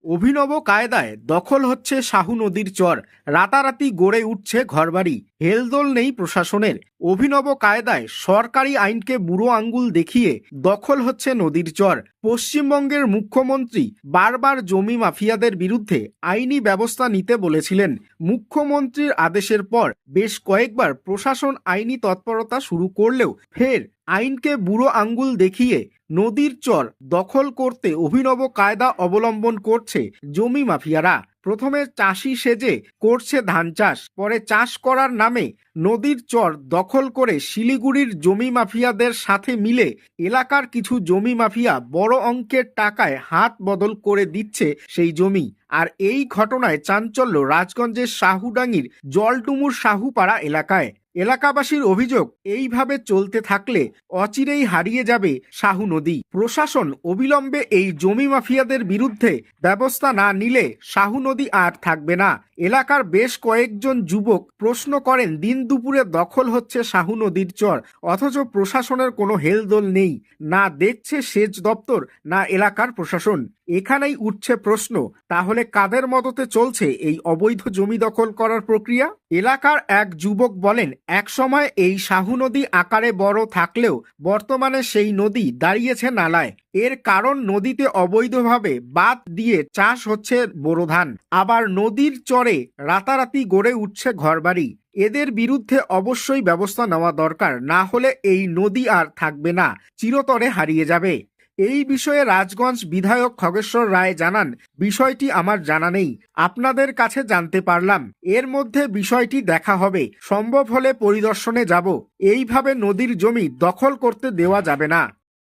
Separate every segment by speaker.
Speaker 1: অভিনব কায়দায় দখল হচ্ছে শাহু নদীর চর। রাতারাতি গড়ে উঠছে ঘরবাড়ি। হেলদোল নেই প্রশাসনের। অভিনব কায়দায় সরকারি আইনকে বুড়ো আঙ্গুল দেখিয়ে দখল হচ্ছে নদীর চর। পশ্চিমবঙ্গের মুখ্যমন্ত্রী বারবার জমি মাফিয়াদের বিরুদ্ধে আইনি ব্যবস্থা নিতে বলেছিলেন। মুখ্যমন্ত্রীর আদেশের পর বেশ কয়েকবার প্রশাসন আইনি তৎপরতা শুরু করলেও ফের আইনকে বুড়ো আঙ্গুল দেখিয়ে নদীর চর দখল করতে অভিনব কায়দা অবলম্বন করছে জমি মাফিয়ারা। প্রথমে চাষি সেজে করছে ধান চাষ, পরে চাষ করার নামে নদীর চর দখল করে শিলিগুড়ির জমি মাফিয়াদের সাথে মিলে এলাকার কিছু জমি মাফিয়া বড় অঙ্কের টাকায় হাত বদল করে দিচ্ছে সেই জমি। আর এই ঘটনায় চাঞ্চল্য রাজগঞ্জের শাহুডাঙ্গির জলডুমুর শাহুপাড়া এলাকায়। এলাকাবাসীর অভিযোগ, এইভাবে চলতে থাকলে অচিরেই হারিয়ে যাবে শাহু নদী। প্রশাসন অবিলম্বে এই জমি মাফিয়াদের বিরুদ্ধে ব্যবস্থা না নিলে শাহু নদী আর থাকবে না। এলাকার বেশ কয়েকজন যুবক প্রশ্ন করেন, দিন দুপুরে দখল হচ্ছে শাহু নদীর চর, অথচ প্রশাসনের কোনো হেলদোল নেই। না দেখছে সেচ দপ্তর, না এলাকার প্রশাসন। এখানেই উঠছে প্রশ্ন, তাহলে কাদের মদতে চলছে এই অবৈধ জমি দখল করার প্রক্রিয়া? এলাকার এক যুবক বলেন, একসময় এই শাহু নদী আকারে বড় থাকলেও বর্তমানে সেই নদী দাঁড়িয়েছে নালায়। এর কারণ নদীতে অবৈধভাবে বাঁধ দিয়ে চাষ হচ্ছে বোরো ধান, আবার নদীর চরে রাতারাতি গড়ে উঠছে ঘরবাড়ি। এদের বিরুদ্ধে অবশ্যই ব্যবস্থা নেওয়া দরকার, না হলে এই নদী আর থাকবে না, চিরতরে হারিয়ে যাবে। এই বিষয়ে রাজগঞ্জ বিধায়ক খগেশ্বর রায় জানান, বিষয়টি আমার জানা নেই, আপনাদের কাছে জানতে পারলাম। এর মধ্যে বিষয়টি দেখা হবে, সম্ভব হলে পরিদর্শনে যাব। এইভাবে নদীর জমি দখল করতে দেওয়া যাবে না।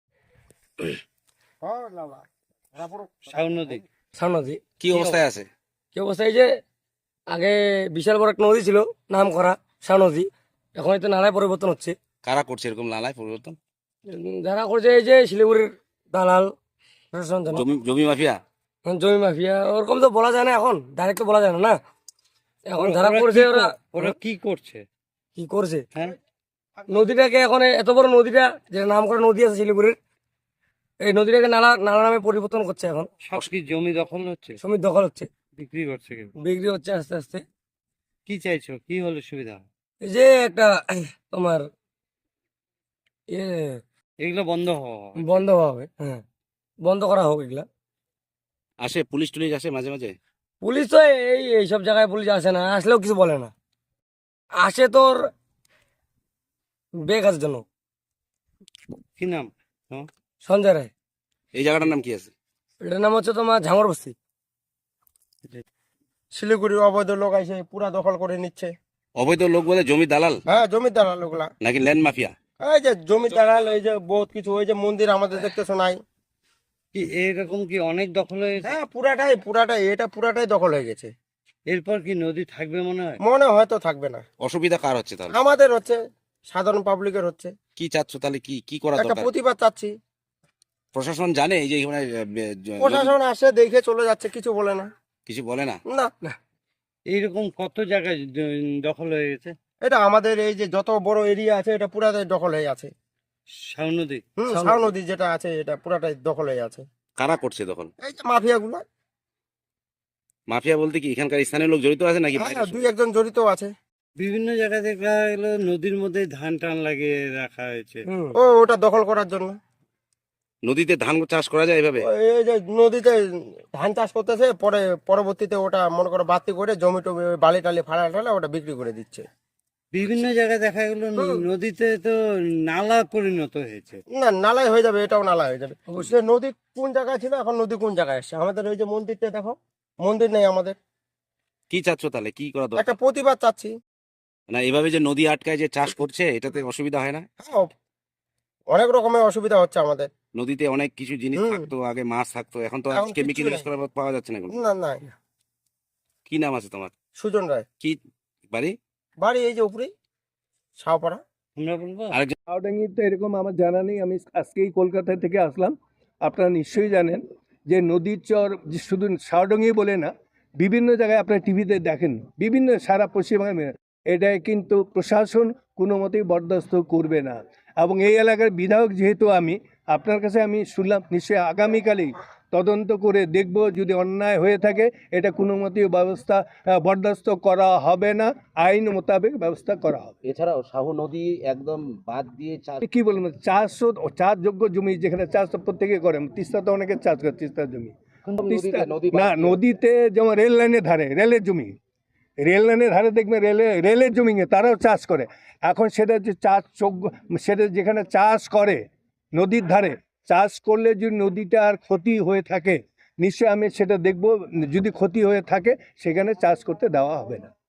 Speaker 2: নদী
Speaker 3: কি অবস্থায় আছে?
Speaker 2: কি অবস্থা? এই যে আগে বিশাল বড় একটা নদী ছিল, নাম করা শাহ নদী, এখন তো নালায় পরিবর্তন হচ্ছে।
Speaker 3: কারা করছে এরকম নালায় পরিবর্তন?
Speaker 2: যারা করছে এই যে শিলিগুড়ির দালাল প্রশাসন,
Speaker 3: জমি মাফিয়া।
Speaker 2: জমি মাফিয়া, ওরকম তো বলা যায় না, এখন ডাইরেক্ট তো বলা যায় না। না এখন যারা করছে ওরা
Speaker 4: কি করছে
Speaker 2: কি করছে,
Speaker 4: হ্যাঁ
Speaker 2: নদীটাকে এখন এত বড় নদীটা, যেটা নাম করা নদী আছে শিলিগুড়ির, এই নদীটাকে নালা নালা নামে পরিবর্তন করছে। এখন
Speaker 4: সব কি জমি দখল হচ্ছে,
Speaker 2: জমি দখল হচ্ছে,
Speaker 4: বিক্রি করছে কেউ?
Speaker 2: বিক্রি হচ্ছে আস্তে আস্তে।
Speaker 4: কি চাইছো, কি হলে সুবিধা?
Speaker 2: এই যে একটা তোমার ইয়ে
Speaker 4: এগুলো বন্ধ হওয়া
Speaker 2: বন্ধ হবে, হ্যাঁ বন্ধ করা হোক এগুলা।
Speaker 3: আসে পুলিশ টুলিশ আসে মাঝে মাঝে?
Speaker 2: পুলিশ তো এইসব জায়গায় পুলিশ আসে না, আসলেও কিছু বলে না। আসে তোর বেগ আছে জন্য।
Speaker 4: কি নাম?
Speaker 2: সঞ্জয় রায়।
Speaker 3: এই জায়গাটার নাম কি আছে?
Speaker 2: এটার নাম হচ্ছে তোমার ঝাঙর বস্তি।
Speaker 5: শিলিগুড়ির অবৈধ লোক এসে পুরা দখল করে নিচ্ছে।
Speaker 3: অবৈধ লোক বলে জমি দালাল
Speaker 5: হ্যাঁ, জমির দালাল ওগুলা,
Speaker 3: নাকি ল্যান্ড মাফিয়া?
Speaker 5: এই যে জমির দালাল, এই যে বহুত কিছু, ওই যে মন্দির আমাদের দেখতে শোনাই।
Speaker 4: কি এরকম কি অনেক দখল হয়েছে?
Speaker 5: হ্যাঁ, পুরাটাই এটা পুরাটাই দখল হয়ে গেছে।
Speaker 4: এরপর কি নদী থাকবে মনে হয়?
Speaker 5: মনে হয়তো থাকবে না।
Speaker 3: অসুবিধা কার হচ্ছে তাহলে?
Speaker 5: আমাদের হচ্ছে, সাধারণ পাবলিকের হচ্ছে।
Speaker 3: কি চাচ্ছ তাহলে? কি কি করা
Speaker 5: একটা
Speaker 3: দরকার?
Speaker 5: প্রতিবাদ চাচ্ছি।
Speaker 3: প্রশাসন জানে এই যে এখানে
Speaker 5: প্রশাসন আসে, দেখে চলে যাচ্ছে, কিছু বলে না।
Speaker 3: কিছু বলে না?
Speaker 5: না,
Speaker 4: এইরকম কত জায়গায় দখল হয়ে গেছে?
Speaker 5: এটা আমাদের এই যে যত বড় এরিয়া আছে, এটা পুরাটাই দখল হয়ে আছে।
Speaker 4: শাহ নদী
Speaker 5: শাহ নদী যেটা আছে, এটা পুরাটাই দখল হয়ে আছে।
Speaker 3: কারা করছে দখল?
Speaker 5: এই যে মাফিয়া গুলো।
Speaker 3: মাফিয়া বলতে কি এখানকার স্থানীয় লোক জড়িত আছে নাকি?
Speaker 5: হ্যাঁ, দুই একজন জড়িত আছে।
Speaker 4: বিভিন্ন জায়গায় দেখা গেলো নদীর মধ্যে ধান টান লাগিয়ে রাখা হয়েছে।
Speaker 5: ওটা দখল করার জন্য।
Speaker 3: নদীতে ধান চাষ করা যায় এভাবে?
Speaker 5: এই যে নদীতে ধান চাষ করতেছে, পরে পরবর্তীতে ওটা মনে করো বাতি করে জমি টমি বালি টালি ফালা টালা ওটা বিক্রি করে দিচ্ছে।
Speaker 4: বিভিন্ন জায়গায় দেখা গেলো নদীতে তো নালা পরিণত হয়েছে।
Speaker 5: না, নালায় হয়ে যাবে, এটাও নালা হয়ে যাবে। সে নদী কোন জায়গায় ছিল, এখন নদী কোন জায়গায় আসছে? আমাদের ওই যে মন্দিরটা দেখো, মন্দির নেই আমাদের।
Speaker 3: কি চাচ্ছ তাহলে? কি করা দরকার?
Speaker 5: একটা প্রতিবাদ চাচ্ছি।
Speaker 3: না এভাবে যে নদী আটকায় যে চাষ করছে, এটাতে অসুবিধা হয় না?
Speaker 5: হ্যাঁ, অনেক রকমের অসুবিধা হচ্ছে আমাদের।
Speaker 3: নদীতে অনেক কিছু জিনিস থাকতো, আগে মাছ থাকতো, এখন তো
Speaker 5: এখন
Speaker 3: কেমিক্যাল
Speaker 5: কিচ্ছু
Speaker 3: ইউজ করা পাওয়া যাচ্ছে না এখন।
Speaker 5: না না,
Speaker 3: কি নাম আছে তোমার?
Speaker 5: সুজন রায়।
Speaker 3: কি বাড়ি?
Speaker 5: বাড়ি এই যে উপরেই, শাহপাড়া।
Speaker 4: আমরা বলবো
Speaker 3: আরেকজন
Speaker 6: শাওডাঙ্গিতে এরকম আমার জানা নেই, আমি আজকেই কলকাতা থেকে আসলাম। আপনারা নিশ্চয়ই জানেন যে নদীর চর যে শুধু শাওডাঙ্গি বলে না, বিভিন্ন জায়গায় আপনারা টিভিতে দেখেন, বিভিন্ন সারা পশ্চিমবঙ্গে। এটাই কিন্তু প্রশাসন কোনো মতেই বরদাস্ত করবে না। এবং এই এলাকার বিধায়ক যেহেতু আমি, আপনার কাছে আমি শুনলাম নিশ্চয়ই আগামীকালেই তদন্ত করে দেখব, যদি অন্যায় হয়ে থাকে এটা কোনো মতেই ব্যবস্থা বরদাস্ত করা হবে না, আইন মোতাবেক ব্যবস্থা করা হবে।
Speaker 3: এছাড়াও শাহু নদী একদম বাদ দিয়ে চাষ
Speaker 6: কি বলবো, চাষযোগ্য জমি যেখানে চাষ তো প্রত্যেকে করে, তিস্তা তো অনেকে চাষ করে, তিস্তার জমি
Speaker 3: নদী
Speaker 6: না, নদীতে যেমন রেল লাইনের ধারে, রেলের জমি, রেল লাইনের ধারে দেখবে রেলের জমিতে তারাও চাষ করে। এখন সেটা যে সেটা যেখানে চাষ করে নদীর ধারে, চাষ করলে যদি নদীটার ক্ষতি হয়ে থাকে নিশ্চয়ই আমি সেটা দেখব, যদি ক্ষতি হয়ে থাকে সেখানে চাষ করতে দেওয়া হবে না।